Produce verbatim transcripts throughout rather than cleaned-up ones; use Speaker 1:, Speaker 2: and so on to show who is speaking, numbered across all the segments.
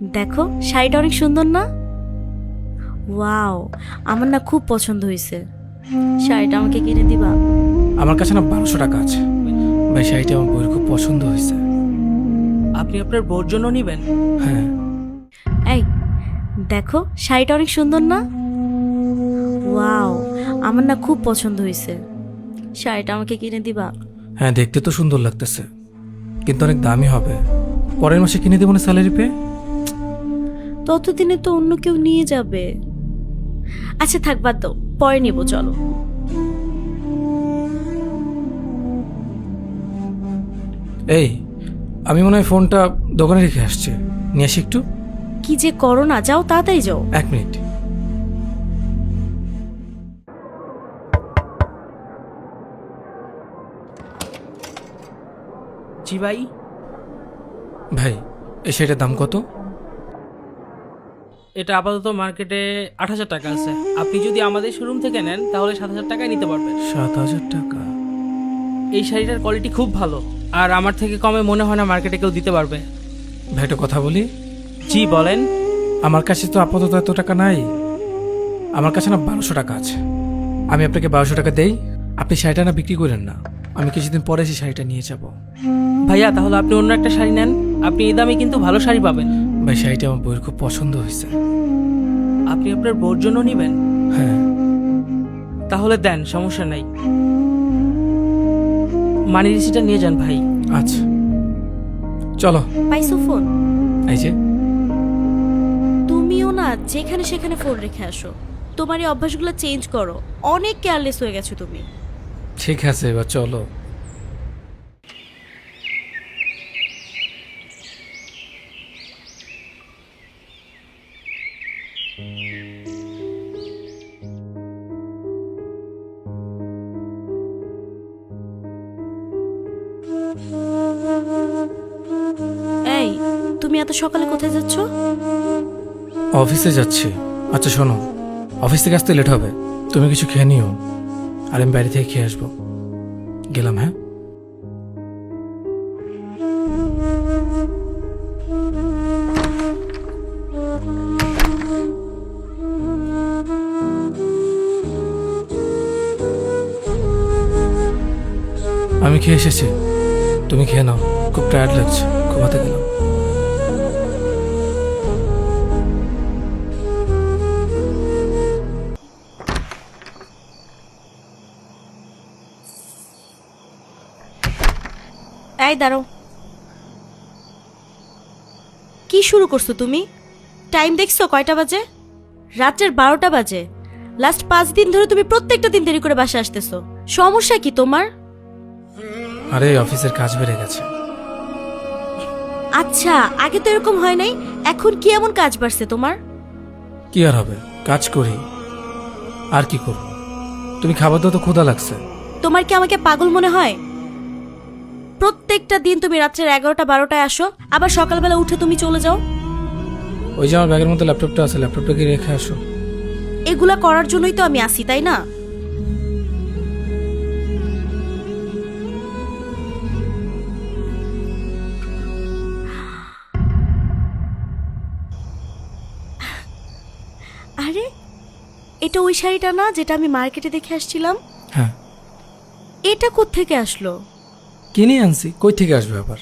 Speaker 1: দেখো শাড়িটা অনেক সুন্দর না? ওয়াও, আমার না খুব পছন্দ হয়েছে। শাড়িটা আমাকে কিনে দিবা?
Speaker 2: আমার কাছে না বারোশো টাকা আছে ভাই, শাড়িটা আমার বউয়ের খুব পছন্দ হয়েছে।
Speaker 3: আপনি আপনার বউর জন্য নেবেন?
Speaker 2: হ্যাঁ।
Speaker 1: এই দেখো শাড়িটা অনেক সুন্দর না? ওয়াও, আমার না খুব পছন্দ হয়েছে। শাড়িটা আমাকে কিনে দিবা?
Speaker 2: হ্যাঁ, দেখতে তো সুন্দর লাগতেছে, কিন্তু অনেক দামি হবে। পরের মাসে কিনে দেবো না স্যালারি পেয়ে।
Speaker 1: ততদিনে তো অন্য কেউ নিয়ে যাবে। আচ্ছা থাক, বাদ দাও, পরে নিবো, চলো।
Speaker 2: এই, আমি মনে হয় ফোনটা দোকানে রেখে আসছি, নিয়ে আসি একটু।
Speaker 1: কি যে করো না, যাও তাড়াতাড়ি যাও।
Speaker 2: এক মিনিট।
Speaker 3: জি ভাই।
Speaker 2: ভাই, এই শাড়িটার দাম কত?
Speaker 3: এটা আপাতত মার্কেটে আট হাজার টাকা আছে। আপনি যদি আমাদের শোরুম থেকে নেন তাহলে সাত হাজার টাকায় নিতে পারবেন।
Speaker 2: সাত হাজার টাকা?
Speaker 3: এই শাড়িটার কোয়ালিটি খুব ভালো, আর আমার থেকে কমে মনে হয় না মার্কেটে কেউ দিতে পারবে।
Speaker 2: ভাই, একটা কথা বলি।
Speaker 3: জি বলেন।
Speaker 2: আমার কাছে তো আপাতত এত টাকা নাই। আমার কাছে না বারোশো টাকা আছে। আমি আপনাকে বারোশো টাকা দেই, আপনি শাড়িটা না বিক্রি করেন না, আমি কিছুদিন পরে সেই শাড়িটা নিয়ে যাব।
Speaker 3: ভাইয়া তাহলে আপনি অন্য একটা শাড়ি নেন, আপনি এই দামে কিন্তু ভালো শাড়ি পাবেন।
Speaker 2: ভাই, শাড়িটা আমার বউয়ের খুব পছন্দ হয়েছে।
Speaker 3: আপনি আপনার বউর জন্য নেবেন?
Speaker 2: হ্যাঁ।
Speaker 3: তাহলে দেন, সমস্যা নাই। মানি রিসিটটা নিয়ে যান ভাই।
Speaker 2: আচ্ছা চলো।
Speaker 1: পাইছো ফোন?
Speaker 2: এই যে।
Speaker 1: তুমিও না যেখানে সেখানে ফোন রেখে আসো। তোমার এই অভ্যাসগুলো চেঞ্জ করো, অনেক কেয়ারলেস হয়ে গেছো তুমি।
Speaker 2: ঠিক আছে, এবার চলো।
Speaker 1: এই, তুমি এত সকালে কোথায় যাচ্ছ?
Speaker 2: অফিসে যাচ্ছি। আচ্ছা শোনো, অফিস থেকে আসতে লেট হবে, তুমি কিছু খেয়ে নিও, আর আমি বাইরে থেকে খেয়ে আসবো। গেলাম, হ্যাঁ। আমি খেয়ে এসেছি, তুমি খেয়ে নাও, খুব টায়ার্ড লাগছে, ঘুমাতে গেলাম।
Speaker 1: এই দাঁড়াও, কি শুরু করছো তুমি? টাইম দেখছো কয়টা বাজে? রাত্রের বারোটা বাজে। লাস্ট পাঁচ দিন ধরে তুমি প্রত্যেকটা দিন দেরি করে বাসা আসতেছো, সমস্যা কি তোমার?
Speaker 2: আরে অফিসের কাজ বেড়ে গেছে।
Speaker 1: আচ্ছা, আগে তো এরকম হয় নাই, এখন কি এমন কাজ বাড়ছে তোমার?
Speaker 2: কি আর হবে, কাজ করি, আর কি করব। তুমি খাবার দাও তো, ক্ষুধা লাগছে।
Speaker 1: তোমার কি আমাকে পাগল মনে হয়? প্রত্যেকটা দিন তুমি রাত্রের এগারোটা বারোটায় আসো, আবার সকালবেলা উঠে তুমি চলে যাও।
Speaker 2: ওই যে আমার ব্যাগের মধ্যে ল্যাপটপটা আছে, ল্যাপটপটা কি রেখে আসো।
Speaker 1: এগুলা করার জন্যই তো আমি আসি, তাই না? আরে, এটা ওই শাড়িটা না যেটা আমি মার্কেটে দেখে আসছিলাম?
Speaker 2: হ্যাঁ।
Speaker 1: এটা কোত্থেকে আসলো?
Speaker 2: কিনে আনছি, কই থেকে আসবে আবার?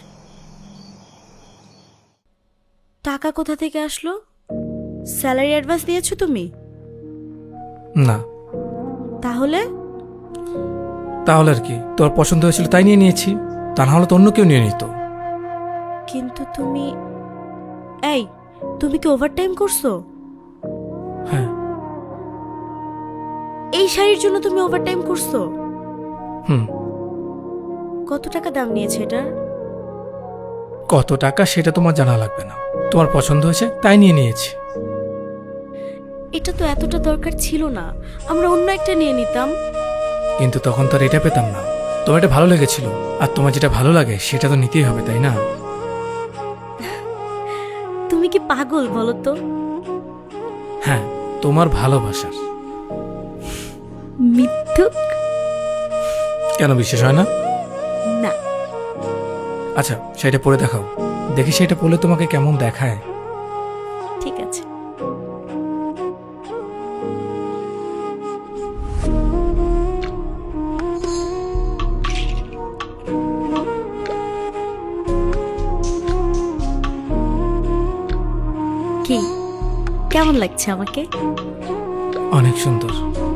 Speaker 1: টাকা কোথা থেকে আসলো? স্যালারি অ্যাডভান্স দিয়েছো তুমি?
Speaker 2: না।
Speaker 1: তাহলে?
Speaker 2: তাহলে আর কি, তোর পছন্দ হয়েছিল তাই নিয়ে নিয়েছি, তা না হলে তো অন্য কেউ নিয়ে নিত।
Speaker 1: কিন্তু তুমি, এই, তুমি কি ওভারটাইম করছো?
Speaker 2: হ্যাঁ।
Speaker 1: এই শাড়ির জন্য তুমি ওভারটাইম করছো?
Speaker 2: হুম।
Speaker 1: কত টাকা দাম নিয়েছে এটার?
Speaker 2: কত টাকা সেটা তোমার জানা লাগবে না, তোমার পছন্দ হয়েছে তাই নিয়ে নিয়েছি।
Speaker 1: এটা তো এতটা দরকার ছিল না, আমরা অন্য একটা নিয়ে নিতাম।
Speaker 2: কিন্তু তখন তো আর এটা পেতাম না, তোমার এটা ভালো লেগেছিল, আর তোমার যেটা ভালো লাগে সেটা তো নিতেই হবে, তাই না?
Speaker 1: তুমি কি পাগল বলো তো?
Speaker 2: হ্যাঁ, তোমার ভালোবাসার।
Speaker 1: মিথ্যুক।
Speaker 2: কেন বিশ্বাস হয় না?
Speaker 1: না।
Speaker 2: আচ্ছা সেটা পরে দেখাও, দেখি সেটা পরলে তোমাকে কেমন দেখায়।
Speaker 1: ঠিক আছে। কি কেমন লাগছে আমাকে?
Speaker 2: অনেক সুন্দর।